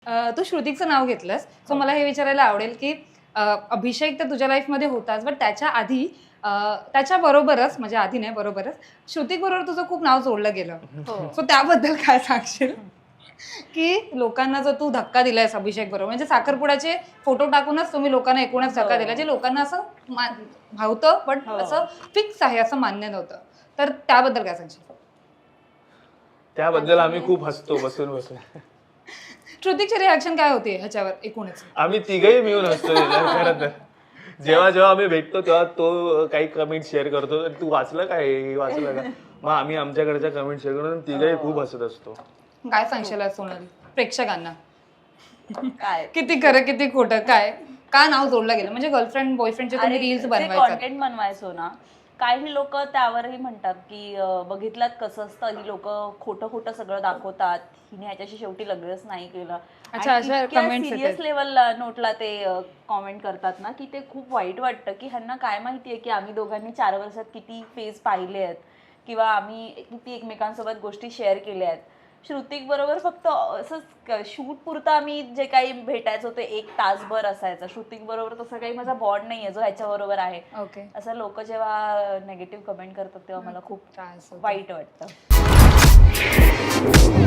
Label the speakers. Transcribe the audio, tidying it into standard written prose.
Speaker 1: तू श्रुतिकचं नाव घेतलंस, सो मला हे विचारायला आवडेल की अभिषेक तर तुझ्या लाईफमध्ये होताच, बट त्याच्या आधी त्याच्याबरोबरच, म्हणजे आधी नाही बरोबरच, श्रुतिक बरोबर तुझं खूप नाव जोडलं गेलं. सो त्याबद्दल काय सांगशील? की लोकांना जो तू धक्का दिलायस अभिषेक बरोबर, म्हणजे साखरपुड्याचे फोटो टाकूनच तुम्ही लोकांना एकूणच धक्का दिला, जे लोकांना असं भावतं पण असं फिक्स आहे असं मान्य नव्हतं. तर त्याबद्दल काय सांगशील?
Speaker 2: त्याबद्दल आम्ही खूप हसतो बसून बसून.
Speaker 1: श्रुतिकची रिॲक्शन काय होती ह्याच्यावर एकूणच?
Speaker 2: आम्ही तिघही मिळून हसतो खरं तर. जेव्हा जेव्हा आम्ही भेटतो तेव्हा तो काही कमेंट शेअर करतो, तू वाचलं काय, हे वाचलं का, मग आम्ही आमच्याकडच्या कमेंट शेअर करून तिघही खूप हसत असतो.
Speaker 1: काय सांगशील सोनाली प्रेक्षकांना?
Speaker 3: काय
Speaker 1: किती खरं किती खोटं, काय का नाव जोडलं गेलं? म्हणजे गर्लफ्रेंड बॉयफ्रेंडचे तुम्ही रील्स बनवायचा,
Speaker 3: कॉन्टेंट बनवायचो ना, काही लोक त्यावरही म्हणतात की बघितलात कसं असतं, ही लोक खोटं खोटं सगळं दाखवतात, हिने ह्याच्याशी शेवटी लग्नच नाही केलं.
Speaker 1: अच्छा, अशा comments
Speaker 3: सिरियस
Speaker 1: येतात.
Speaker 3: लेवलला नोटला ते कॉमेंट करतात ना, की ते खूप वाईट वाटतं की ह्यांना काय माहितीये की आम्ही दोघांनी 4 वर्षात किती फेज पाहिले आहेत किंवा आम्ही किती एकमेकांसोबत गोष्टी शेअर केल्या आहेत. श्रुतिक बरोबर फक्त असंच शूट पुरतं आम्ही जे काही भेटायचो ते 1 तासभर असायचं. श्रुतिक बरोबर तसं काही माझा बॉन्ड नाहीये जो ह्याच्या बरोबर आहे.
Speaker 1: ओके,
Speaker 3: असं लोक जेव्हा नेगेटिव्ह कमेंट करतात तेव्हा मला खूप
Speaker 1: त्रास होतो.
Speaker 3: वाईट वाटतं.